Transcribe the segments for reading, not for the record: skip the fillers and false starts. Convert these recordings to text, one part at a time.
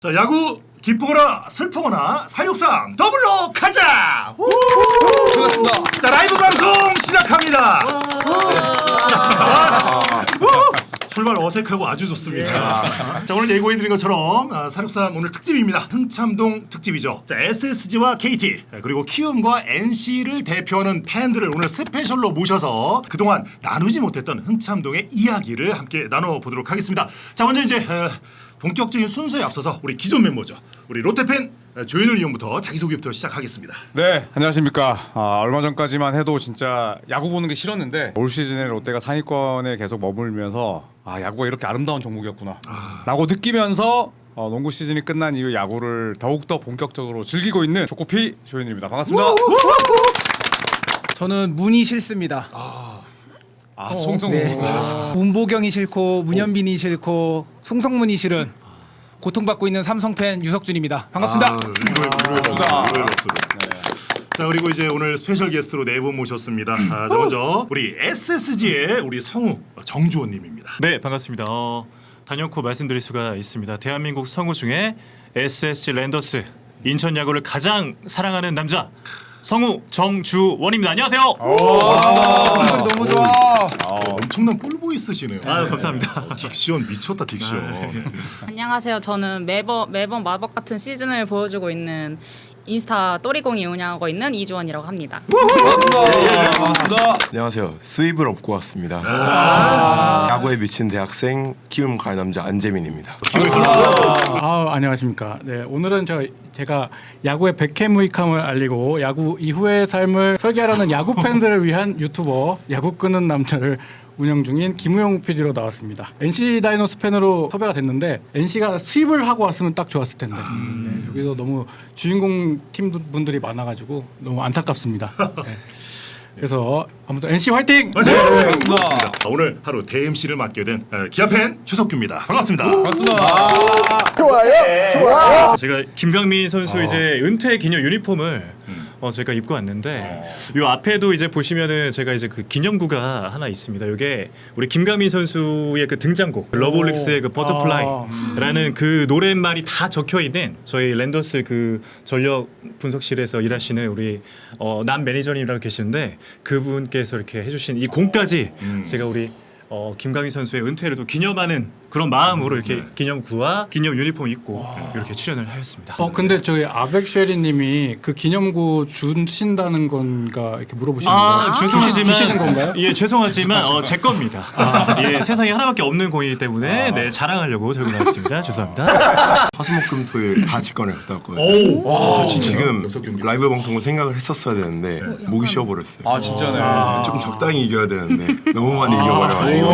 자, 야구 기쁘거나 슬프거나 사육상 더블로 가자. 반갑습니다. 자, 라이브 방송 시작합니다. 출발 어색하고 아주 좋습니다. 자, 오늘 예고해드린 것처럼 사육상 오늘 특집입니다. 흥참동 특집이죠. 자, SSG와 KT 그리고 키움과 NC를 대표하는 팬들을 오늘 스페셜로 모셔서 그동안 나누지 못했던 흥참동의 이야기를 함께 나눠보도록 하겠습니다. 자, 먼저 이제 본격적인 순서에 앞서서 우리 기존 멤버죠. 우리 롯데팬 조현일 의원부터 자기소개부터 시작하겠습니다. 네, 안녕하십니까. 얼마 전까지만 해도 진짜 야구 보는 게 싫었는데 올 시즌에 롯데가 상위권에 계속 머물면서 야구가 이렇게 아름다운 종목이었구나 라고 느끼면서 농구 시즌이 끝난 이후 야구를 더욱더 본격적으로 즐기고 있는 조코피 조현일입니다. 반갑습니다. 저는 문이 싫습니다. 송성우. 네. 문보경이 싫고 문현빈이 싫고 송성문이 싫은 고통받고 있는 삼성팬 유석준입니다. 반갑습니다. 반갑습니다. 자, 그리고 이제 오늘 스페셜 게스트로 네 분 모셨습니다. 자, 먼저 우리 SSG의 우리 성우 정주원님입니다. 네, 반갑습니다. 단연코 말씀드릴 수가 있습니다. 대한민국 성우 중에 SSG 랜더스 인천 야구를 가장 사랑하는 남자 성우 정주원입니다. 안녕하세요. 목소리 너무 좋아. 엄청난 볼보이 쓰시네요. 아유, 감사합니다. 딕션 미쳤다, 딕션. 안녕하세요. 저는 매번 마법 같은 시즌을 보여주고 있는 인스타 또리공이 운영하고 있는 이주원이라고 합니다. 반갑습니다. 안녕하세요. 수입을 업고 왔습니다. 야구에 미친 대학생 키움 가을 남자 안재민입니다. 안녕하십니까. 네, 오늘은 제가 야구의 백해무익함을 알리고 야구 이후의 삶을 설계하려는 야구 팬들을 위한 유튜버 야구 끄는 남자를 운영 중인 김우영 PD로 나왔습니다. NC 다이노스 팬으로 섭외가 됐는데 NC가 수입을 하고 왔으면 딱 좋았을 텐데 네, 여기서 너무 주인공 팀 분들이 많아가지고 너무 안타깝습니다. 네. 그래서 아무튼 NC 화이팅! 네, 반갑습니다. 오늘 하루 대MC를 맡게 된 기아팬 최석규입니다. 반갑습니다. 제가 김강민 선수 이제 은퇴 기념 유니폼을 제가 입고 왔는데 요 앞에도 이제 보시면은 제가 이제 그 기념구가 하나 있습니다. 요게 우리 김강민 선수의 그 등장곡 러브홀릭스의 그 버터플라이라는 그 노랫말이 다 적혀 있는 저희 랜더스 그 전력 분석실에서 일하시는 우리 남 매니저님이라고 계시는데 그분께서 이렇게 해주신 이 공까지 제가 우리 김강민 선수의 은퇴를 또 기념하는 그런 마음으로 이렇게 기념구와 기념 유니폼 입고 이렇게 출연을 하였습니다. 근데 저희 아벡쉐리님이 그 기념구 주신다는 건가 이렇게 물어보시는 거예요? 주시는 건가요? 예, 죄송하지만 제 겁니다. 예, 세상에 하나밖에 없는 공이기 때문에 네, 자랑하려고 들고 나왔습니다. 죄송합니다. 화수목금토일 다 직관을 갔다 왔거든요. 지금 라이브 방송을 생각을 했었어야 되는데 목이 쉬어버렸어요. 진짜네. 좀 적당히 이겨야 되는데 너무 많이 이겨버려가지고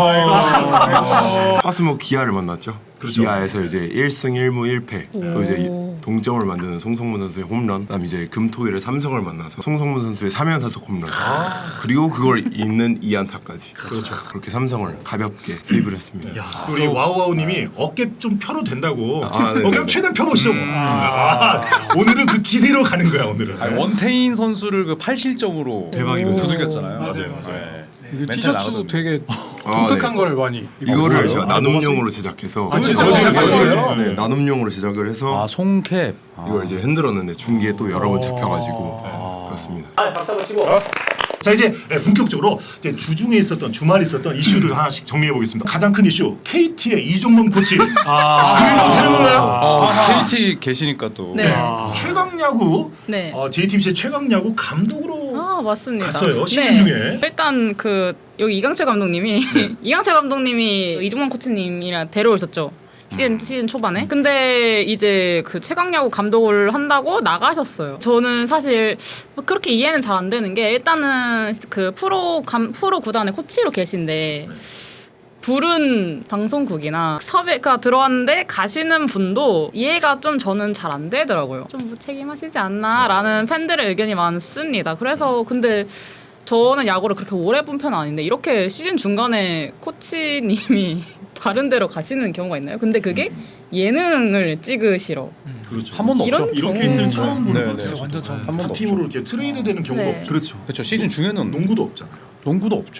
화수목 기아를 만났죠. 기아에서 이제 1승 1무 1패 또 이제 동점을 만드는 송성문 선수의 홈런, 그다음 이제 금토일에 삼성을 만나서 송성문 선수의 3연타석 홈런 그리고 그걸 잇는 2안타까지 그렇죠. 그렇게 삼성을 가볍게 세이브를 했습니다. 우리 와우와우님이 어깨 좀 펴도 된다고. 네네네. 어깨 최대한 펴보시죠. 오늘은 그 기세로 가는 거야, 오늘은. 원태인 선수를 그 8실점으로 대박이고 두들겼잖아요. 맞아요. 이 티셔츠도 되게 독특한 걸 많이 이거를 제가 나눔용으로 제작해서 네, 나눔용으로 제작을 해서 송캡. 이걸 이제 흔들었는데 중기에 또 여러 번 잡혀가지고 그렇습니다. 자, 이제 본격적으로 이제 주중에 있었던 주말에 있었던 이슈들 하나씩 정리해 보겠습니다. 가장 큰 이슈 KT의 이종범 코치. 그래도 되는 건가요? KT 계시니까 또. 네. 최강야구 네. JTBC의 최강야구 감독으로 맞습니다. 갔어요, 시즌 중에. 일단 여기 이강철 감독님이 이강철 감독님이 이종범 코치님이랑 데려오셨죠. 시즌 초반에. 근데 이제 그 최강야구 감독을 한다고 나가셨어요. 저는 사실 그렇게 이해는 잘 안 되는 게 일단은 그 프로 구단의 코치로 계신데 부른 방송국이나 섭외가 들어왔는데 가시는 분도 이해가 좀 저는 잘 안 되더라고요. 좀 무책임하시지 않나라는 팬들의 의견이 많습니다. 그래서 근데 저는 야구를 그렇게 오래 본 편은 아닌데 이렇게 시즌 중간에 코치님이 다른 데로 가시는 경우가 있나요? 근데 그게 예능을 찍으시러 그렇죠. 한 번도 없죠. 이렇게 있으면 처음 보는 네, 거죠. 네. 완전 처음. 한 팀으로 이렇게 트레이드 되는 경우가 네. 없죠. 그렇죠. 시즌 중에는 농구도 없잖아요. 농구도 없죠.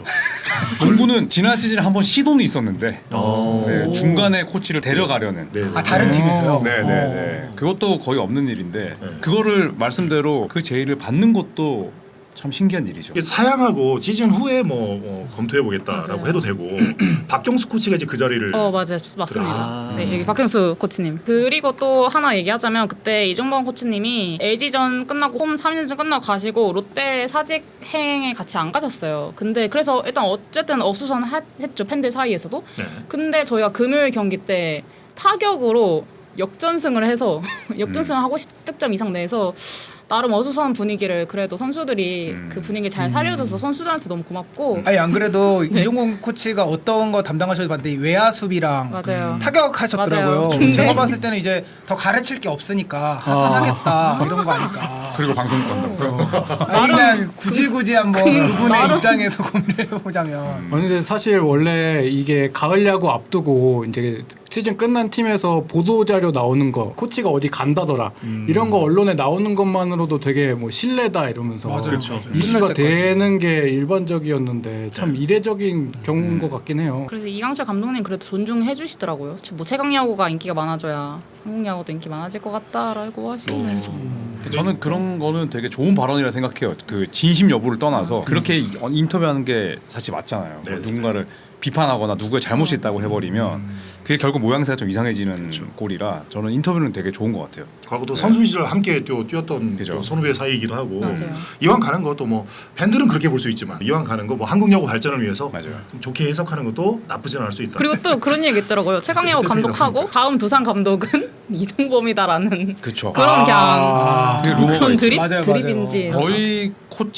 농구는 지난 시즌에 한번 시도는 있었는데 네, 중간에 코치를 데려가려는. 아 다른 팀에서요? 네네네. 그것도 거의 없는 일인데 그거를 말씀대로 그 제의를 받는 것도 참 신기한 일이죠. 이게 사양하고 시즌 후에 뭐 검토해 보겠다라고 맞아요. 해도 되고 박경수 코치가 이제 그 자리를 맞아요. 맞습니다. 네, 여기 박경수 코치님. 그리고 또 하나 얘기하자면 그때 이종범 코치님이 LG전 끝나고 홈 3연전 끝나고 가시고 롯데 사직행에 같이 안 가셨어요. 근데 그래서 일단 어쨌든 어수선했죠. 팬들 사이에서도. 네. 근데 저희가 금요일 경기 때 타격으로 역전승을 해서 역전승을 하고 10득점 이상 내서 나름 어수선한 분위기를 그래도 선수들이 그 분위기 잘 살려줘서 선수들한테 너무 고맙고 아니 안 그래도 이종곤 코치가 어떤 거 담당하셔도 봤는데 외야 수비랑 맞아요. 타격하셨더라고요. 맞아요. 근데- 제가 봤을 때는 이제 더 가르칠 게 없으니까 하산하겠다 이런 거 아닐까. 그리고 방송 간다고요? 아니 그냥 굳이 한번 그분의 입장에서 고민을 해보자면 아니 근데 사실 원래 이게 가을 야구 앞두고 이제 시즌 끝난 팀에서 보도 자료 나오는 거 코치가 어디 간다더라 이런 거 언론에 나오는 것만으로도 되게 뭐 신뢰다 이러면서 그렇죠. 이슈가 끝날 때까지. 되는 게 일반적이었는데 참 이례적인 경우인 것 같긴 해요. 그래서 이강철 감독님 그래도 존중해 주시더라고요. 뭐 최강 야구가 인기가 많아져야 한국 야구도 인기 많아질 것 같다라고 하시면서 저는 그런 거는 되게 좋은 발언이라 생각해요. 그 진심 여부를 떠나서 그렇게 인터뷰하는 게 사실 맞잖아요. 네. 누군가를 비판하거나 누구의 잘못이 있다고 해버리면 그게 결국 모양새가 좀 이상해지는 꼴이라 저는 인터뷰는 되게 좋은 것 같아요. 과거 또 선수 시절 함께 뛰었던 그죠. 또 선후배 사이이기도 하고 맞아요. 이왕 가는 것도 뭐 팬들은 그렇게 볼 수 있지만 이왕 가는 거 뭐 한국 야구 발전을 위해서 맞아요. 좀 좋게 해석하는 것도 나쁘진 않을 수 있다. 그리고 또 그런 얘기 있더라고요. 최강 야구 감독하고 다음 두산 감독은 이종범이다라는 그렇죠. 그런 그냥 그게 루머가 그런 있어요. 맞아요, 드립인지 저희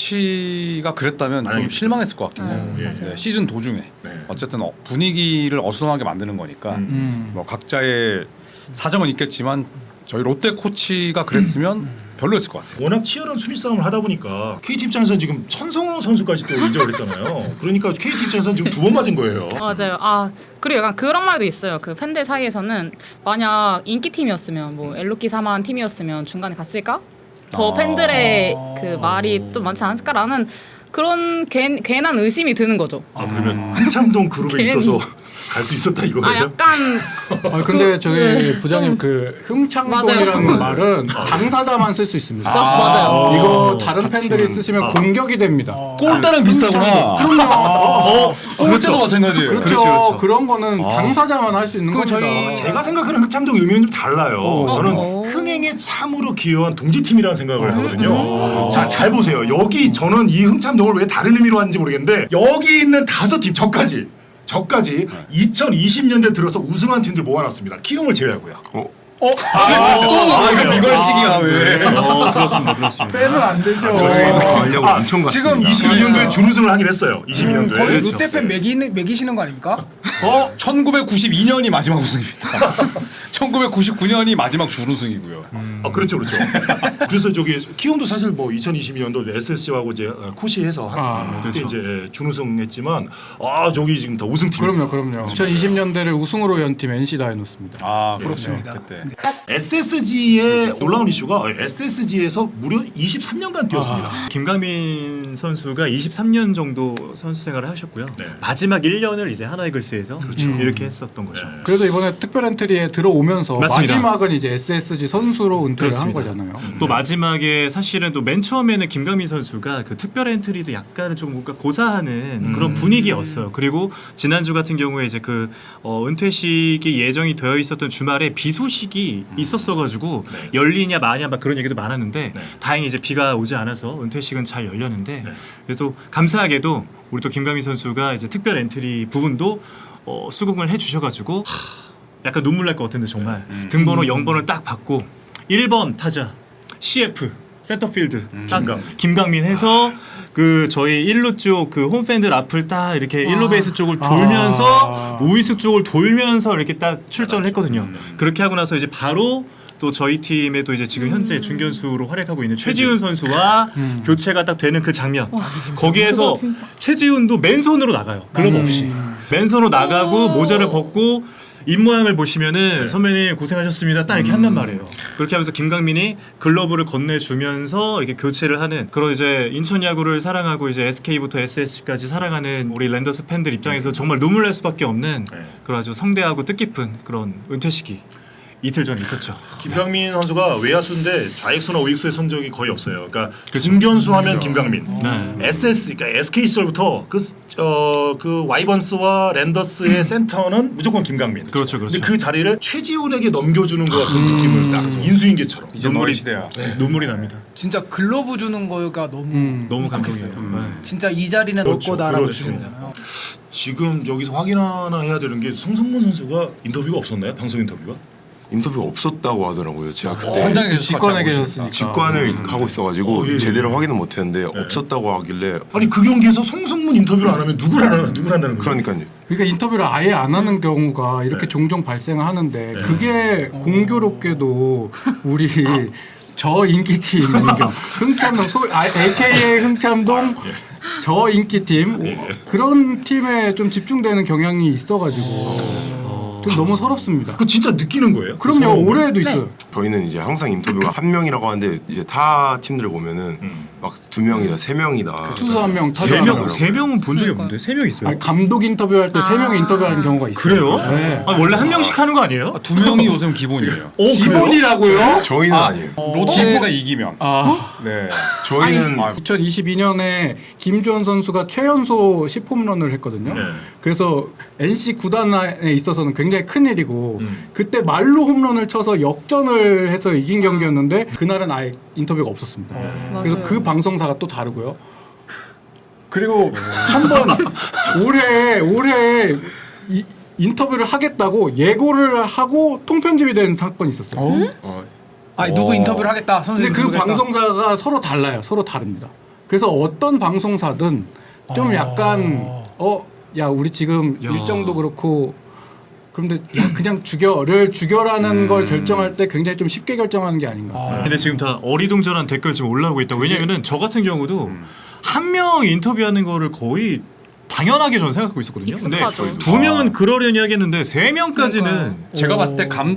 코치가 그랬다면 좀 아니, 실망했을 것 같긴 해요. 예. 네, 시즌 도중에 네. 어쨌든 분위기를 어수선하게 만드는 거니까 뭐 각자의 사정은 있겠지만 저희 롯데 코치가 그랬으면 별로였을 것 같아요. 워낙 치열한 순위 싸움을 하다 보니까 KT 입장에서 지금 천성호 선수까지 또 이적을 했잖아요. 그러니까 KT 입장에서는 지금 2번 맞은 거예요. 맞아요. 그리고 약간 그런 말도 있어요. 그 팬들 사이에서는 만약 인기 팀이었으면 뭐 엘로키 사만 팀이었으면 중간에 갔을까? 더 팬들의 그 말이 좀 많지 않았을까라는 그런 괜한 의심이 드는 거죠. 그러면 한참동 그룹에 괜히. 있어서 갈 수 있었다 이거예요? 약간 근데 저기 네, 부장님 좀- 그 흥창동이라는 말은 당사자만 쓸 수 있습니다. 맞아요. 이거 다른 팬들이 쓰시면 공격이 됩니다. 골대랑 비슷하구나. 그럼요. 골대도 마찬가지예요. 그렇죠. 그런 거는 당사자만 할 수 있는 그거 겁니다. 저희 제가 생각하는 흑참동 의미는 좀 달라요. 저는 어. 흥행에 참으로 기여한 동지팀이라는 생각을 하거든요. 자, 잘 보세요. 여기 저는 이 흥참동을 왜 다른 의미로 하는지 모르겠는데 여기 있는 5팀 저까지 2020년대 들어서 우승한 팀들 모아놨습니다. 키움을 제외하고요. 이거 미걸식이야 왜? 그렇습니다. 빼면 안 되죠. 가려고 엄청 갔습니다. 지금 22년도에 준우승을 하긴 했어요. 22년도에. 거의 롯데팬 매기시는 거 아닙니까? 1992년이 마지막 우승입니다. 1999년이 마지막 준우승이고요. 그렇죠. 그래서 저기 키움도 사실 뭐 2022년도 SSG하고 이제 코시해서 그때 이제 준우승했지만 저기 지금 다 우승팀. 그럼요. 2020년대를 우승으로 연 팀 NC 다이노스입니다. 그렇습니다. 그때. SSG의 놀라운 이슈가 SSG에서 무려 23년간 뛰었습니다. 김강민 선수가 23년 정도 선수 생활을 하셨고요. 네. 마지막 1년을 이제 하나이글스에서 이렇게 했었던 거죠. 그래도 이번에 특별 엔트리에 들어오면서 맞습니다. 마지막은 이제 SSG 선수로 은퇴를 그렇습니다. 한 거잖아요. 또 마지막에 사실은 또 맨 처음에는 김강민 선수가 그 특별 엔트리도 약간은 좀 뭔가 고사하는 그런 분위기였어요. 그리고 지난주 같은 경우에 이제 그 은퇴식이 예정이 되어 있었던 주말에 비 소식이 있었어가지고 열리냐 마냐 막 그런 얘기도 많았는데 다행히 이제 비가 오지 않아서 은퇴식은 잘 열렸는데 그래도 감사하게도 우리 또 김강민 선수가 이제 특별 엔트리 부분도 수긍을 해주셔가지고 약간 눈물 날 것 같은데 정말 등번호 0번을 딱 받고 1번 타자 CF 센터필드 딱 김강민 해서 그 저희 1루 쪽 그 홈팬들 앞을 딱 이렇게 1루 베이스 쪽을 돌면서 우익수 쪽을 돌면서 이렇게 딱 출전을 했거든요. 그렇게 하고 나서 이제 바로 또 저희 팀에도 이제 지금 현재 중견수로 활약하고 있는 최지훈 선수와 교체가 딱 되는 그 장면. 거기에서 그거 진짜. 최지훈도 맨손으로 나가요. 글러브 없이. 맨손으로 나가고 모자를 벗고 입모양을 보시면은 선배님 고생하셨습니다. 딱 이렇게 한단 말이에요. 그렇게 하면서 김강민이 글러브를 건네주면서 이렇게 교체를 하는 그런 이제 인천 야구를 사랑하고 이제 SK부터 SSG까지 사랑하는 우리 랜더스 팬들 입장에서 정말 눈물 날 수밖에 없는 그런 아주 성대하고 뜻깊은 그런 은퇴 시기 이틀 전에 있었죠. 김강민 선수가 외야수인데 좌익수나 우익수의 성적이 거의 없어요. 그러니까 중견수 하면 김강민, SS 그러니까 SK 시절부터 그 와이번스와 랜더스의 센터는 무조건 김강민. 그렇죠, 그렇죠. 근데 그 자리를 최지훈에게 넘겨주는 것 같은 느낌을 딱 인수인계처럼. 이제 너의 시대야. 눈물이 납니다. 진짜 글러브 주는 거가 너무 너무 울컥했어요. 감동이에요. 진짜 이 자리는 올 그렇죠, 거다라고 그렇죠. 주잖아요. 지금 여기서 확인 하나 해야 되는 게 송성문 선수가 인터뷰가 없었나요? 방송 인터뷰가? 인터뷰 없었다고 하더라고요. 제가 그때 현장에 계셔서 직관에 같이 하고 계셨으니까. 직관을 하고 있어가지고 예. 제대로 확인은 못했는데 없었다고 하길래 아니 그 경기에서 송성문 인터뷰를 안 하면 누구를 한다는 거예요? 그러니까요. 그러니까 인터뷰를 아예 안 하는 경우가 이렇게 종종 발생하는데 그게 공교롭게도 우리 저 인기팀 흥참동 AKA 흥참동 저 인기팀 그런 팀에 좀 집중되는 경향이 있어가지고 좀 너무 서럽습니다. 그 진짜 느끼는 거예요? 그럼요. 서러움을? 올해도 있어요. 저희는 이제 항상 인터뷰가 한 명이라고 하는데 이제 타 팀들을 보면은 막 2명이다, 3명이다. 투수 한 명, 타자 세 한 명, 명. 세 명은 본 적이 없는데 3명 있어요. 아니, 감독 인터뷰할 때 3명 인터뷰하는 경우가 있어요. 그래요? 네. 아니, 원래 한 명씩 하는 거 아니에요? 2명이 요즘 기본이에요. 기본이라고요? 저희는 아니에요. 롯데가 이기면. 아, 네. 저희는 2022년에 김주현 선수가 최연소 10홈런을 했거든요. 네. 그래서 NC 구단에 있어서는 굉장히 큰 일이고 그때 말로 홈런을 쳐서 역전을 해서 이긴 경기였는데 그날은 아예 인터뷰가 없었습니다. 그래서 맞아요. 그 방송사가 또 다르고요. 그리고 한번 올해 인터뷰를 하겠다고 예고를 하고 통편집이 된 사건이 있었어요. 누구 인터뷰를 하겠다. 선수 근데 그 인터뷰를 하겠다. 방송사가 서로 달라요. 서로 다릅니다. 그래서 어떤 방송사든 좀 약간 야 우리 지금 일정도 그렇고 그런데 야 그냥 죽여라는 걸 결정할 때 굉장히 좀 쉽게 결정하는 게 아닌가. 근데 지금 다 어리둥절한 댓글 지금 올라오고 있다. 왜냐면은 저 같은 경우도 한 명 인터뷰하는 거를 거의 당연하게 저는 생각하고 있었거든요. 근데 익숙하죠. 2명은 그러려니 하겠는데 3명까지는 제가 봤을 때 처음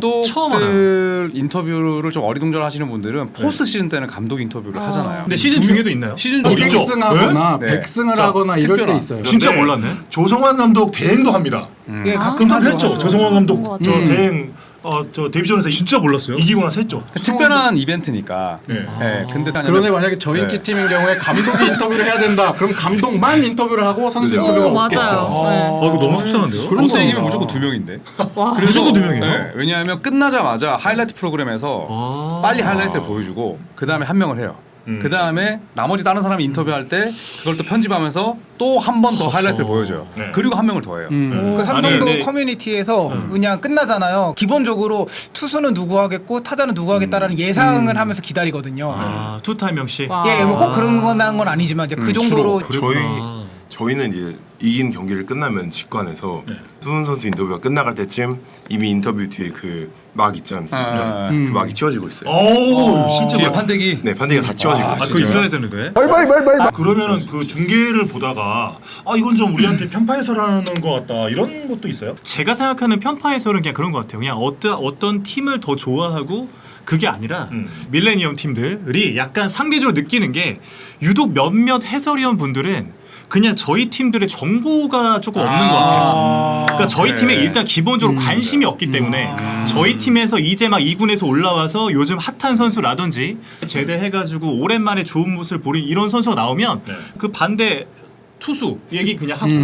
감독들 인터뷰를 좀 어리둥절 하시는 분들은 포스트 시즌 때는 감독 인터뷰를 하잖아요. 근데 시즌 중에도 있나요? 시즌 있죠. 백승하거나 네. 백승을 자, 하거나 이럴 때 특별한. 있어요. 진짜 그런데 몰랐네. 조성환 감독 대행도 합니다. 예, 가끔 인터뷰 하죠. 했죠. 조성환 감독 것 저 같아요. 대행 저 데뷔전에서 진짜 몰랐어요. 이기고 나서 했죠. 특별한 이벤트니까. 네. 네. 근데 그런데 만약에 저 인기 팀인 경우에 감독이 인터뷰를 해야 된다. 그럼 감독만 인터뷰를 하고 선수 그죠. 인터뷰가 맞아요. 없겠죠. 네. 이거 너무 속상한데요? 그런 롯데 거- 이기면 무조건 2명인데. 와. 무조건 2명이에요? 네. 왜냐하면 끝나자마자 하이라이트 프로그램에서 빨리 하이라이트를 보여주고 그 다음에 한 명을 해요. 그 다음에 나머지 다른 사람이 인터뷰할 때 그걸 또 편집하면서 또 한 번 더 하이라이트를 보여줘요. 네. 그리고 한 명을 더 해요. 그 삼성도 아니, 근데- 커뮤니티에서 그냥 끝나잖아요. 기본적으로 투수는 누구 하겠고 타자는 누구 하겠다라는 예상을 하면서 기다리거든요. 투타임 명씩. 와. 예, 뭐 꼭 그런 건 아니지만 이제 그 정도로 저희는 이제 이긴 경기를 끝나면 직관해서 수훈 선수 인터뷰가 끝나갈 때쯤 이미 인터뷰 뒤에 그 막 있지 않습니까? 그 막이 치워지고 있어요. 오, 실제 뒤에 판때기. 네, 판대기가 다 치워지고 있어요. 그거 있어야 되는데. 그러면은 그 중계를 보다가 이건 좀 우리한테 편파 해설하는 것 같다 이런 것도 있어요? 제가 생각하는 편파 해설은 그냥 그런 것 같아요. 그냥 어떤 팀을 더 좋아하고 그게 아니라 밀레니엄 팀들이 약간 상대적으로 느끼는 게 유독 몇몇 해설위원 분들은 그냥 저희 팀들의 정보가 조금 없는 것 같아요. 그러니까 저희 팀에 일단 기본적으로 관심이 없기 때문에 저희 팀에서 이제 막 2군에서 올라와서 요즘 핫한 선수라든지 제대해가지고 오랜만에 좋은 모습을 보인 이런 선수가 나오면 그 반대 투수 얘기 그냥 하고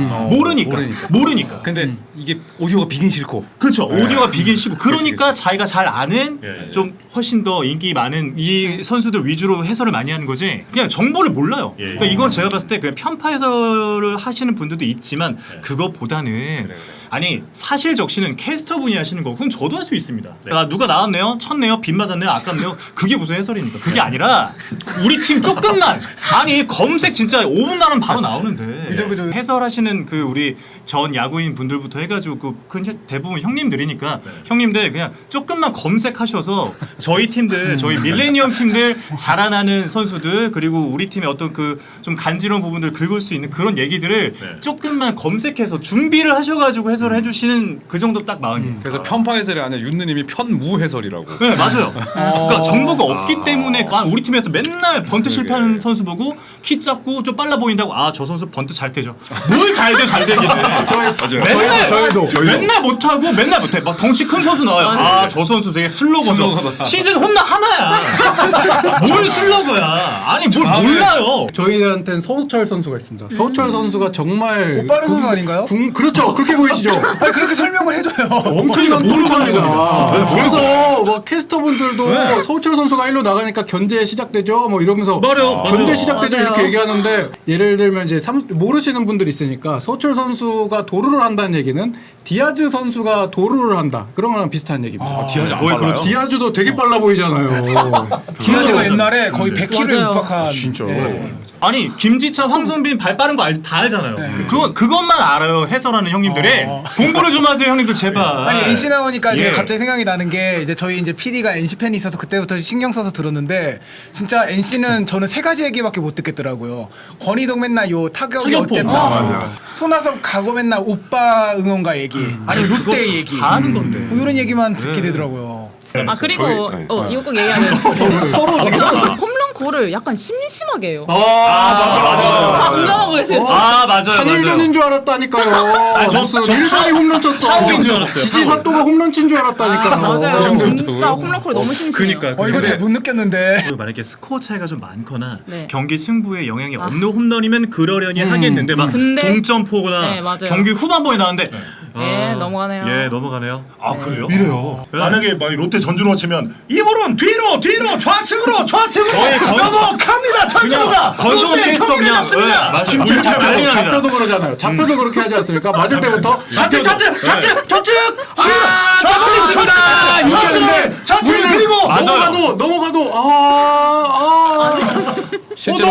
모르니까. 근데 이게 오디오가 비긴 싫고. 그렇죠. 오디오가 비긴 시고 그러니까 그치. 자기가 잘 아는 예. 좀 훨씬 더 인기 많은 이 선수들 위주로 해설을 많이 하는 거지 그냥 정보를 몰라요. 예. 그러니까 이건 제가 봤을 때 그냥 편파 해설을 하시는 분들도 있지만 그것보다는 아니 사실 적시는 캐스터 분이 하시는 거 그건 저도 할 수 있습니다. 누가 나왔네요, 쳤네요, 빗 맞았네요, 아깝네요. 그게 무슨 해설입니까? 그게 아니라 우리 팀 조금만 아니 검색 진짜 5분 나면 바로 나오는데 그죠. 해설하시는 그 우리 전 야구인 분들부터 해가지고 그 대부분 형님들이니까 형님들 그냥 조금만 검색하셔서 저희 팀들 저희 밀레니엄 팀들 자라나는 선수들 그리고 우리 팀의 어떤 그 좀 간지러운 부분들 긁을 수 있는 그런 얘기들을 조금만 검색해서 준비를 하셔가지고 해설을 해주시는 그 정도 딱 마음이에요. 그래서 편파 해설이 아니라 윤느님이 편무 해설이라고. 네 맞아요. 그러니까 정보가 없기 때문에 우리 팀에서 맨날 번트 실패하는 선수 보고 키 작고 좀 빨라 보인다고 저 선수 번트 잘 되죠. 뭘 잘 돼 잘 되긴 해. 맨날 못하고 맨날 못해. 막 덩치 큰 선수 나와요. 저 선수 되게 슬로거죠. 시즌 홈런 하나야. 뭘 슬로거야. 아니 뭘 몰라요. 저희한테는 서우철 선수가 있습니다. 서우철 선수가 정말 빠른 선수 아닌가요? 그렇죠. 그렇게 보이시죠? 아니 그렇게 설명을 해줘요. 엄청난 동참이잖아. 그래서 뭐 캐스터분들도 네. 서우철 선수가 1루 나가니까 견제 시작되죠. 뭐 이러면서 맞아요. 견제 맞아요. 시작되죠 맞아요. 이렇게 얘기하는데 예를 들면 이제 모르시는 분들이 있으니까 서우철 선수가 도루를 한다는 얘기는 디아즈 선수가 도루를 한다. 그런 거랑 비슷한 얘기입니다. 디아즈 안 빨라요? 디아즈도 되게 빨라 보이잖아요. 디아즈가 옛날에 거의 100km 맞아요. 육박한. 진짜로? 아니 김지찬, 황성빈 발 빠른 거 다 알잖아요. 그것만 알아요. 해설하는 형님들이 공부를 좀 하세요, 형님들 제발. 아니 NC 나오니까 제가 예. 갑자기 생각이 나는 게 이제 저희 이제 PD가 NC 팬이 있어서 그때부터 신경 써서 들었는데 진짜 NC는 저는 세 가지 얘기밖에 못 듣겠더라고요. 권희동 맨날 요 타격이 타격폼. 어땠다. 맞아. 손아섭 가고 맨날 오빠 응원가 얘기. 아니면 롯데 얘기. 다 아는 건데. 뭐 이런 얘기만 듣게 되더라고요. 그리고 저희- 이거 꼭 얘기하면 서로 지금 홈런골을 약간 심심하게 해요. 맞아. 다 공감하고 계세요. 지금. 맞아요. 한일전인 줄 알았다니까요. 저 무슨 일산이 홈런 쳤어. 타구인 줄 알았어요. 지지 사또가 홈런 친 줄 알았다니까요. 맞아요. 진짜 홈런골 너무 심심해요. 그러니까. 이거 잘 못 느꼈는데. 만약에 스코어 차이가 좀 많거나 네. 경기 승부에 영향이 없는 홈런이면 그러려니 하겠는데 막 근데- 동점포거나 네, 맞아요. 경기 후반부에 나왔는데 넘어가네요. 예 넘어가네요. 그래요? 이래요. 만약에 막 롯데 전준호 치면 이번은 뒤로 좌측으로 넘어갑니다. 전준호가 건성훈 롯데 캐스터 경기를 그냥 잡습니다. 심지어 난리 납니다. 잡혀도 그러잖아요. 잡혀도 그렇게 하지 않습니까? 맞을 때부터 좌측 좌측 그리고 넘어가도 실제로-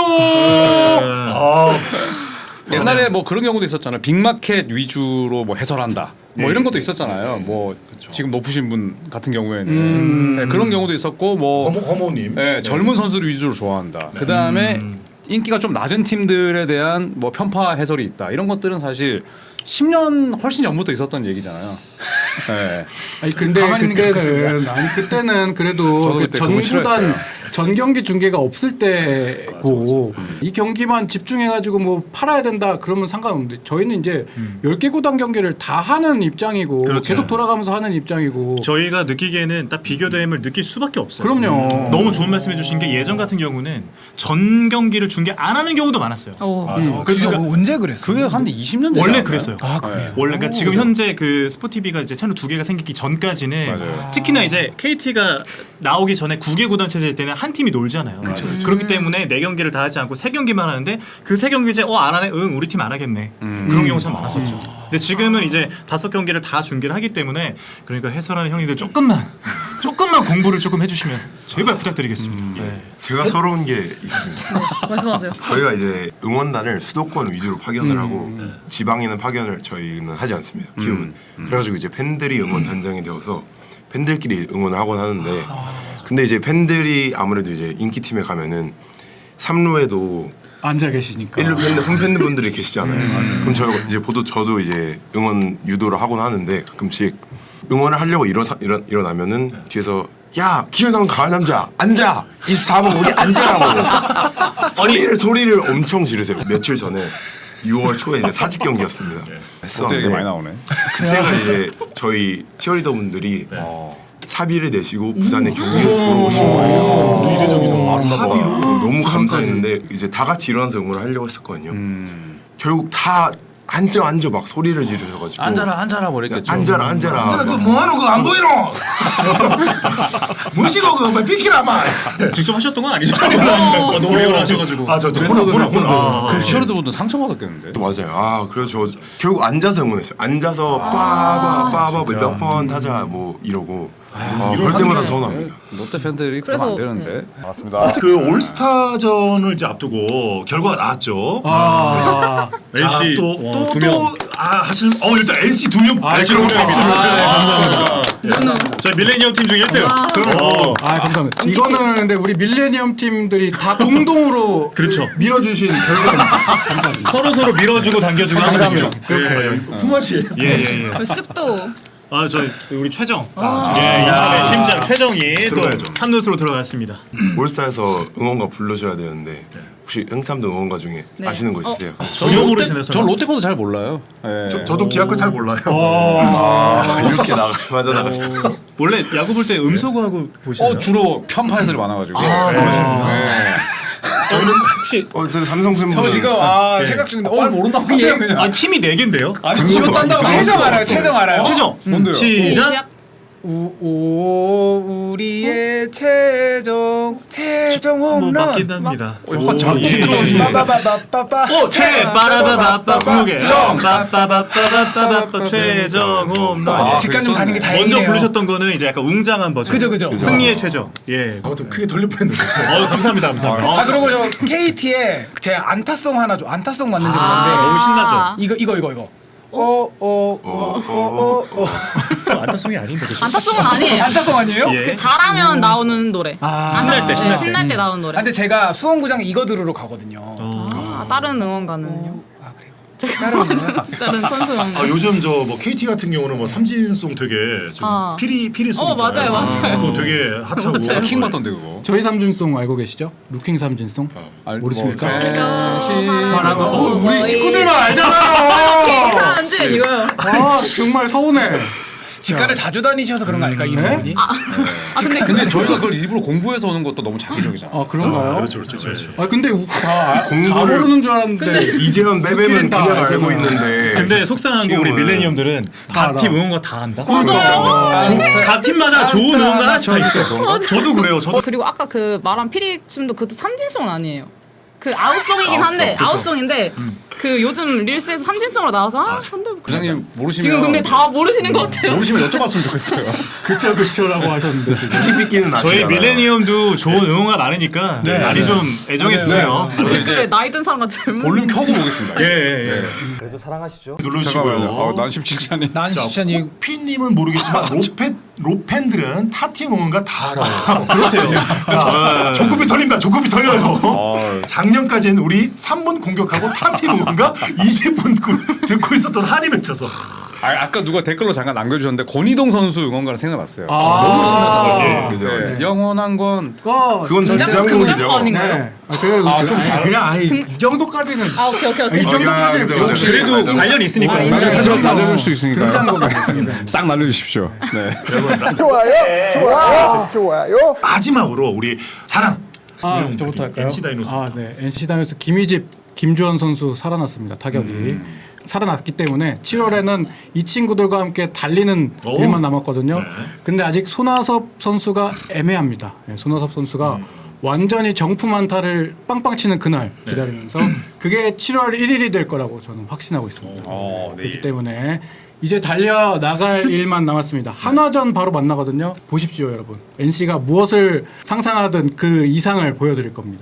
넘어갔어요. 옛날에 뭐 그런 경우도 있었잖아요. 빅마켓 위주로 뭐 해설한다. 뭐 이런 것도 있었잖아요. 뭐 지금 높으신 분 같은 경우에는 네, 그런 경우도 있었고 뭐 허모님. 네, 젊은 선수들 위주로 좋아한다. 그 다음에 인기가 좀 낮은 팀들에 대한 뭐 편파 해설이 있다. 이런 것들은 사실 10년 훨씬 전부터 있었던 얘기잖아요. 네. 아니 근데 가만히 있는 게 그때는 그래도 저도 그 그때 그거 전구단 싫어했어요. 전 경기 중계가 없을 때고 이 경기만 집중해가지고 뭐 팔아야 된다 그러면 상관없는데 저희는 이제 10개 구단 경기를 다 하는 입장이고 그렇죠. 계속 돌아가면서 하는 입장이고 저희가 느끼기에는 딱 비교됨을 느낄 수밖에 없어요. 그럼요. 너무 좋은 말씀해주신 게 예전 같은 경우는 전 경기를 중계 안 하는 경우도 많았어요. 그래서 언제 그랬어? 그게 한 20년 되지 원래 않았나요? 그랬어요. 그래요? 원래 그러니까 지금 현재 그 스포티비가 이제 채널 2개가 생기기 전까지는 맞아요. 특히나 이제 KT가 나오기 전에 9개 구단 체제일 때는 한 팀이 놀잖아요. 그렇기 때문에 4경기를 다 하지 않고 3경기만 하는데 그 3경기 이제 안 하네. 우리 팀 안 하겠네. 그런 경우 참 많았었죠. 근데 지금은 이제 5경기를 다 중계를 하기 때문에 그러니까 해설하는 형님들 조금만 공부를 조금 해주시면 제발 부탁드리겠습니다. 네. 제가 서러운 게 있습니다. 말씀하세요. 저희가 이제 응원단을 수도권 위주로 파견을 하고 지방에는 파견을 저희는 하지 않습니다. 키움은. 그래가지고 이제 팬들이 응원 단장이 되어서 팬들끼리 응원을 하곤 하는데 근데 이제 팬들이 아무래도 이제 인기 팀에 가면은 3루에도 앉아 계시니까 1루 팬들 홈팬들 분들이 계시잖아요. 그럼 저도 이제 응원 유도를 하곤 하는데 가끔씩 응원을 하려고 일어나면은 뒤에서 야 기현당 가을 남자 앉아 24번 우리 앉아라고 소리를 엄청 지르세요. 며칠 전에 6월 초에 이제 사직 경기였습니다. 롯데 얘기 많이 나오네. 그때가 이제 저희 치어리더 분들이 사비를 내시고 부산에 경기를 보러 오신 거예요. 또 이례적이다. 사비로 너무 감사했는데 이제 다 같이 일어나서 응원을 하려고 했었거든요. 결국 다 앉아 막 소리를 지르셔가지고 앉아라 버렸겠죠. 앉아라 그거 뭐하노 그거 안 보이노? 무시고 그거 비키라 마. 직접 하셨던 건 아니죠? 노래를 하셔가지고. 저도 그 치어리더 분들 상처받았겠는데. 맞아요. 그래서 저 결국 앉아서 응원했어요. 앉아서 빠바 몇 번 타자 뭐 이러고 그럴 때마다 서운합니다. 롯데 팬들이 그러면 안 그래서, 되는데. 맞습니다. 그 올스타전을 이제 앞두고 결과가 나왔죠. LC 또 두 명. 하시는 일단 NC 두 명. NC 두 명입니다. 감사합니다. 저희 밀레니엄 팀 중 1등. 감사합니다. 이거는 근데 우리 밀레니엄 팀들이 다 공동으로 그렇죠. 밀어주신 결과입니다. 서로 밀어주고 당겨주고 하는 거죠. 품앗이. 예. 쓱도 저희 우리 최정. 인천의 심장 최정이 또 들어가야죠. 3루수로 들어갔습니다. 올스타에서 응원가 부르셔야 되는데 혹시 흥참동 응원가 중에 네. 아시는 거 있으세요? 전혀 모르시네요. 저 롯데 거도 잘 몰라요. 예. 저도 기아 거잘 몰라요. 이렇게 맞아 나가시고 원래 야구 볼 때 음소거하고 보시나요? 주로 편파애들이 많아가지고. 저희는 혹시 저 삼성 팬분 저 지금 생각 중인데 모른다고 하세요 그냥. 팀이 4개인데요? 아니 그거 짠다고 최정 알아요. 최정 알아요. 최정. 뭔데요? 시작. 우리의 최정 뭐 홈런. 맞긴 합니다. 약간 자기 빠바바바바바. 최빠라바바빠 구목에 빠빠바빠바빠바빠 최정 홈런. 직관 좀 다닌 게 먼저 다행이네요. 부르셨던 거는 이제 약간 웅장한 버전. 그죠. 승리의 최정. 예. 좀 크게 돌릴 뻔했는데. 감사합니다. 그리고 저 KT에 제 안타송 하나 좀 안타송 맞는지 모르는데 너무 신나죠. 이거. 안타송이 아닌데 그죠? 안타송은 아니에요. 안타송 아니에요? 예. 그 잘하면 나오는 노래. 신날 때, 신날 때. 신날 때 나오는 노래. 근데 제가 수원구장 이거 들으러 가거든요. 다른 응원가는요? 아 그래요? 다른 선수 응원가. 요즘 저 뭐 KT 같은 경우는 뭐 삼진송 되게 지금 피리송. 맞아요. 그거 되게 핫하고. 맞아요. 킹 받던데 그거. 저희 삼진송 알고 계시죠? 루킹 삼진송? 모르십니까? 우리 식구들만 알잖아요. 삼진 이거요. 정말 서운해. 직관을 자주 다니셔서 그런 거 아닐까 이 두 분이? 근데 저희가 그걸 일부러 공부해서 오는 것도 너무 자기적이잖아. 그런가요? 그렇죠. 근데 다 공부를 모르는 줄 알았는데 이재현 빼빼면 다 그냥 알잖아. 알고 있는데 근데 속상한 거 우리 밀레니엄들은 각 팀 응원가 다 한다. 맞아요. 각 팀마다 좋은 응원가 하나씩 다 있어요. 저도 그래요. 저도 그리고 아까 그 말한 피리춤도 그것도 삼진송은 아니에요. 그 아웃송이긴 한데 아웃송인데 그 요즘 릴스에서 삼진송으로 나와서 근데 부장님 모르시면 지금 근데 다 모르시는 것 같아요. 모르시면 여쭤봤으면 좋겠어요. 그쵸 하셨는데 지금. TV끼는 저희 아시잖아요. 밀레니엄도 좋은 응원가 많으니까 많이 좀 애정해 주세요. 댓글에 나이 든 사람과 젊은 볼륨 켜고 보겠습니다. 예. 누르시고요. 난 십칠찬이. 난 진짜 코피님은 모르겠지만 로팬들은 타팀 응원가 다 알아요. 그렇대요. 조급이 털린다. 조급이 털려요. 작년까지는 우리 3분 공격하고 타팀 응원가 20분 듣고 있었던 한이 맺혀서. 아까 누가 댓글로 잠깐 남겨주셨는데 권희동 선수 응원가가 생각났어요. 너무 신나서. 그죠. 네. 영원한 건 그건 등장곡 등장곡이죠. 아닌가요? 그냥 이 정도까지는 오케이. 이 정도까지는 그죠, 그죠. 그래도 맞아. 관련이 있으니까. 날려줄 수 있으니까요. 등장곡이니까. 싹 날려주십시오. 네. 마지막으로 우리 자랑. 저부터 할까요? NC 다이노스. 네. NC 다이노스 김희집, 김주원 선수 살아났습니다. 타격이 살아났기 때문에 7월에는 이 친구들과 함께 달리는 오. 일만 남았거든요. 근데 아직 손아섭 선수가 애매합니다. 손아섭 선수가 완전히 정품 안타를 빵빵 치는 그날 기다리면서 그게 7월 1일이 될 거라고 저는 확신하고 있습니다. 그렇기 때문에 이제 달려 나갈 일만 남았습니다. 한화전 바로 만나거든요. 보십시오, 여러분. NC가 무엇을 상상하든 그 이상을 보여드릴 겁니다.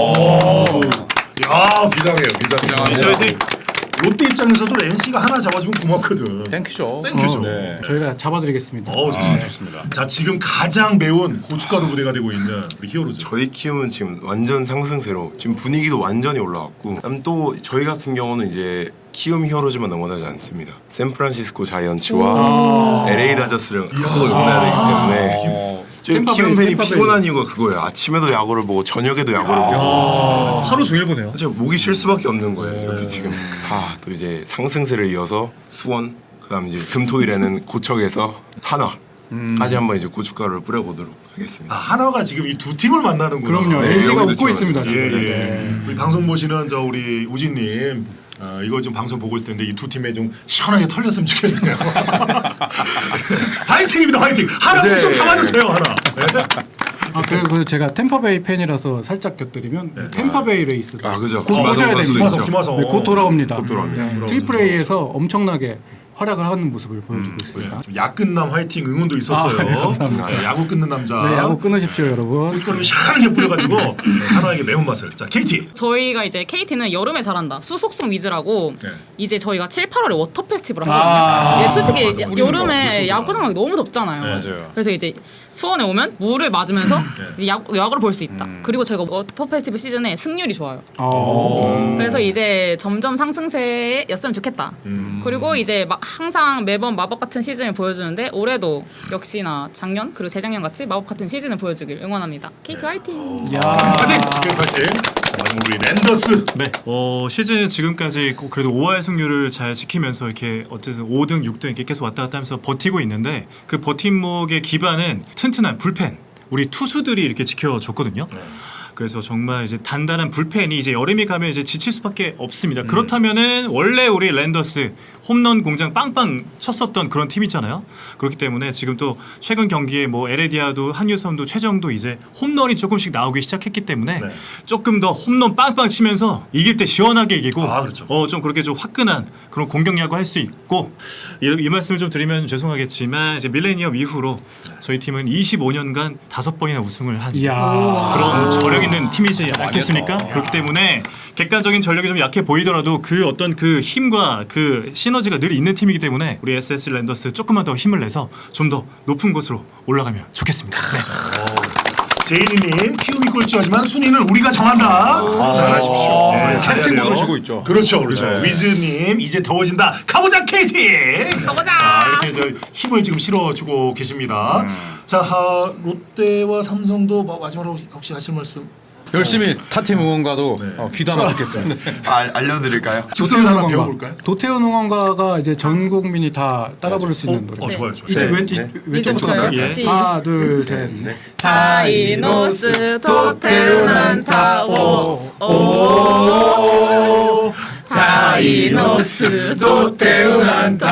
야 비상해요. 롯데 입장에서도 NC가 하나 잡아주면 고맙거든. 땡큐죠. 네. 저희가 잡아드리겠습니다. 좋습니다. 자 지금 가장 매운 고춧가루 부대가 되고 있는 우리 히어로즈. 저희 키움은 지금 완전 상승세로 지금 분위기도 완전히 올라왔고 그다음 또 저희 같은 경우는 이제 키움 히어로즈만 응원하지 않습니다. 샌프란시스코 자이언츠와 LA 다저스를 또 응원해야 되기 때문에 저희 키움 팬이 피곤한 이유가 그거예요. 아침에도 야구를 보고 저녁에도 야구를 보고 하루 종일 보네요. 진짜 목이 쉴 수밖에 없는 거예요. 이렇게 지금 또 이제 상승세를 이어서 수원 그다음 이제 금토일에는 고척에서 한화까지 한번 이제 고춧가루를 뿌려보도록 하겠습니다. 한화가 지금 이 두 팀을 만나는구나. 그럼요. 네, LG가 여기도 웃고 좀- 있습니다. 예, 지금. 예. 네. 우리 방송 보시는 저 우리 우진님 이거 지금 방송 보고 있을 텐데 이 두 팀에 좀 시원하게 털렸으면 좋겠네요. 화이팅입니다, 화이팅. 하나 네. 좀 잡아주세요, 하나. 그리고 제가 템파베이 팬이라서 살짝 곁들이면 템파베이 레이스. 그죠. 곧 보셔야 김하성 됩니다. 선수도 있죠. 김하성. 곧 돌아옵니다. 곧 돌아옵니다. 트리플 A에서 엄청나게 활약을 하는 모습을 보여주고 있습니다. 야끝남 화이팅 응원도 있었어요. 네, 감사합니다. 자, 야구 끊는 남자. 네, 야구 끊으십시오, 여러분. 꿀거름이 시원하게 뿌려가지고 하나에게 매운맛을. 자, KT. 저희가 이제 KT는 여름에 잘한다. 수속성 위즈라고 네. 이제 저희가 7, 8월에 워터 페스티벌을 하거든요. 예, 솔직히 맞아. 우리는 여름에 뭐 야구장 가기 너무 덥잖아요. 맞아요. 그래서 이제 수원에 오면 물을 맞으면서 야구를 볼 수 있다. 그리고 저희가 워터 페스티벌 시즌에 승률이 좋아요. 그래서 이제 점점 상승세였으면 좋겠다. 그리고 이제 항상 매번 마법 같은 시즌을 보여주는데 올해도 역시나 작년 그리고 재작년 같이 마법 같은 시즌을 보여주길 응원합니다. KT 화이팅! 야. 화이팅! 화이팅! 자, 마지막 우리 랜더스. 네. 시즌 지금까지 꼭 그래도 5할 승률을 잘 지키면서 이렇게 어쨌든 5등, 6등 이렇게 계속 왔다 갔다 하면서 버티고 있는데 그 버팀목의 기반은 튼튼한 불펜. 우리 투수들이 이렇게 지켜줬거든요. 그래서 정말 이제 단단한 불펜이 이제 여름이 가면 이제 지칠 수밖에 없습니다. 그렇다면은 원래 우리 랜더스 홈런 공장 빵빵 쳤었던 그런 팀이잖아요. 그렇기 때문에 지금 또 최근 경기에 뭐 에레디아도 한유섬도 최정도 이제 홈런이 조금씩 나오기 시작했기 때문에 네. 조금 더 홈런 빵빵 치면서 이길 때 시원하게 이기고 그렇죠. 좀 그렇게 좀 화끈한 그런 공격 야구 할 수 있고 이 말씀을 좀 드리면 죄송하겠지만 이제 밀레니엄 이후로 저희 팀은 25년간 5번이나 우승을 한 이야. 그런 저력 있는 팀이지 않겠습니까? 그렇기 때문에 객관적인 전력이 좀 약해 보이더라도 그 어떤 그 힘과 그 시너지가 늘 있는 팀이기 때문에 우리 SS 랜더스 조금만 더 힘을 내서 좀 더 높은 곳으로 올라가면 좋겠습니다. 네. 제이니님 키움이 꼴찌하지만 순위는 우리가 정한다. 잘하십시오. 네, 잘해야 팀 돼요. 모델 주고 있죠. 그렇죠, 그렇죠. 네. 위즈님 이제 더워진다. 가보자 KT. 가보자! 이렇게 저 힘을 지금 실어주고 계십니다. 자, 롯데와 삼성도 마지막으로 혹시 하실 말씀? 열심히 타팀 응원가도 귀담아 듣겠습니다. 알려드릴까요? 즉석에서 하나 배워볼까요? 도태훈 응원가가 이제 전 국민이 다 따라 부를 수 있는 노래. 좋아요, 좋아요. 이제 네. 이제부터요? 예. 하나, 둘, 셋, 넷. 다이노스 도태훈 안타오 오 다이노스 도태훈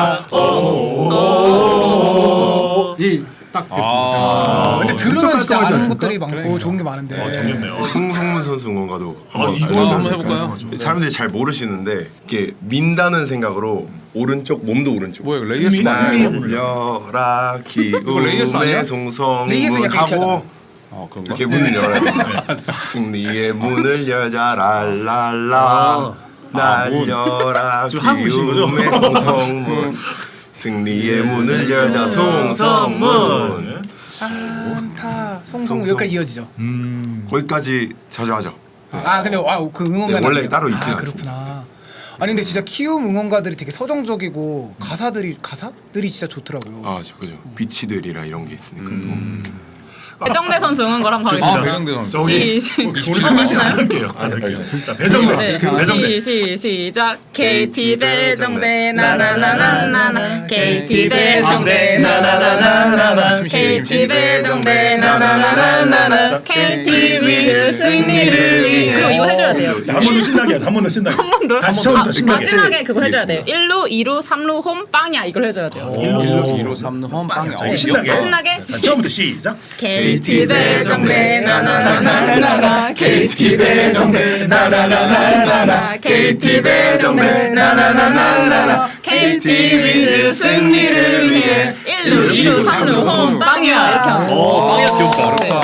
안타오 이딱 됐습니다. 근데 들으면 진짜 아는 않습니까? 것들이 많고 좋은 게 많은데. 재밌네요. 송성문 선수 응원가도 이거 한번 해볼까요? 사람들이 잘 모르시는데 이렇게 민다는 생각으로 오른쪽 몸도 오른쪽. 뭐야, 이거 레이어스 승리, 아니야? 승리. 날려라 레이어스 아니야? 기움의 레이어스 송성문 약간 이렇게 하고 그런가? 이렇게 문을 열어야 돼. 승리의 문을 열자 랄랄라 날려라 지금 하고 계신 거죠? 기움의 송성문 승리의 문을 열자 송성문 안타 송송 여기까지 이어지죠. 거기까지 자주 하죠. 근데 그 응원가 네, 원래 따로 있진 그렇구나. 아니 근데 진짜 키움 응원가들이 되게 서정적이고 가사들이 진짜 좋더라고요. 아, 그죠. 비치들이라 이런 게 있으니까 또. 배정대 선수 응원가랑 가겠습니다. 배정대 선수. 자, 우리 오늘까지 안 할게요. 자, 배정대. 네. 배정대. 시작. KT 배정대 나나나나나 KT 배정대 나나나나나 KT 배정대 나나나나나 KT 위즈 승리를 위해 그리고 이거 해줘야 돼요. 자, 한 번 더 신나게 하자. 한 번 더 신나게. 한 번 더? 다시 처음부터 신나게. 마지막에 그거 해줘야 돼요. 1루, 2루, 3루 홈 빵이야 이걸 해줘야 돼요. 1루, 2루, 3루, 홈, 빵. 자, 이거 신나게. 신나게? 자, 처음부터 시작. KT 배정대 나나나나나 KT 배정대 나나나나나 KT 배정대 나나나나나 KT 위즈 승리를 위해 1루, 2루, 3루 홈 빵이야 이렇게 하는 거. 빵이야 귀엽다. 네.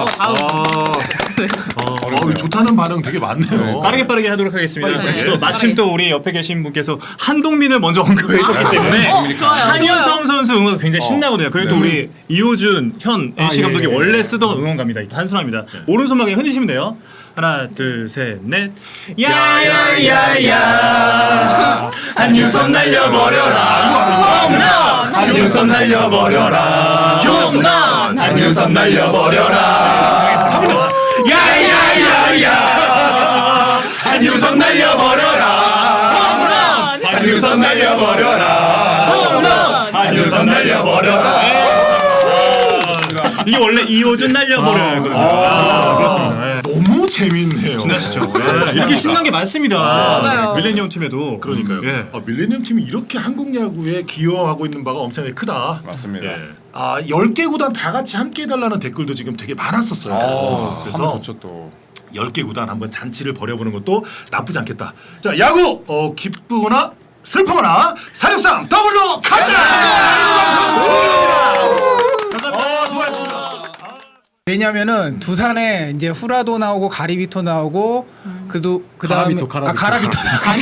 좋다는 반응 되게 많네요. 빠르게 하도록 하겠습니다. 빨리. 그래서 네. 마침 또 우리 옆에 계신 분께서 한동민을 먼저 언급해 주셨기 때문에 좋아요. 한유섬 선수 응원 굉장히 신나거든요. 그리고 또 우리 이호준 현 NC 감독이 예. 원래 쓰던 응원가입니다. 단순합니다. 오른손만 흔드시면 돼요. 하나, 둘, 셋, 넷. 야야야야 한유섬 날려버려라 홈런 한유섬 날려버려라 홈런 한유섬 날려버려라 야야야야 한유섬 날려버려라 홈런 한유섬 날려버려라 홈런 한유섬 날려버려라 이게 원래 이호준 날려버려거든요. 그렇습니다. 네. 너무 재밌네요. 신나시죠? 이렇게 신난 게 많습니다. 맞아요. 밀레니엄 팀에도 그러니까요. 예. 밀레니엄 팀이 이렇게 한국 야구에 기여하고 있는 바가 엄청나게 크다. 맞습니다. 10개 구단 다 같이 함께 해달라는 댓글도 지금 되게 많았었어요. 하면 그래서 좋죠 또. 10개 구단 한번 잔치를 벌여보는 것도 나쁘지 않겠다. 자, 야구 기쁘거나 슬프거나 사육상 더블로 가자. 방송 종료입니다. 감사합니다. 수고하셨습니다. 왜냐면은 두산에 이제 후라도 나오고 가리비토 나오고 그다음에 가라비토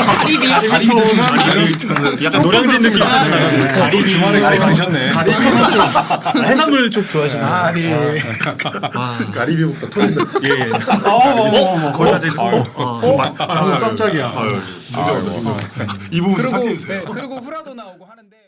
약간 노량진 느낌 있었는데 주말에 가리 가셨네. 해산물 쪽 좋아하시는 거. 아니 가리비부터 토린다. 예. 거의 아직 깜짝이야. 이 부분 좀 삭제해 그리고 주세요. 그리고 후라도 나오고 하는데.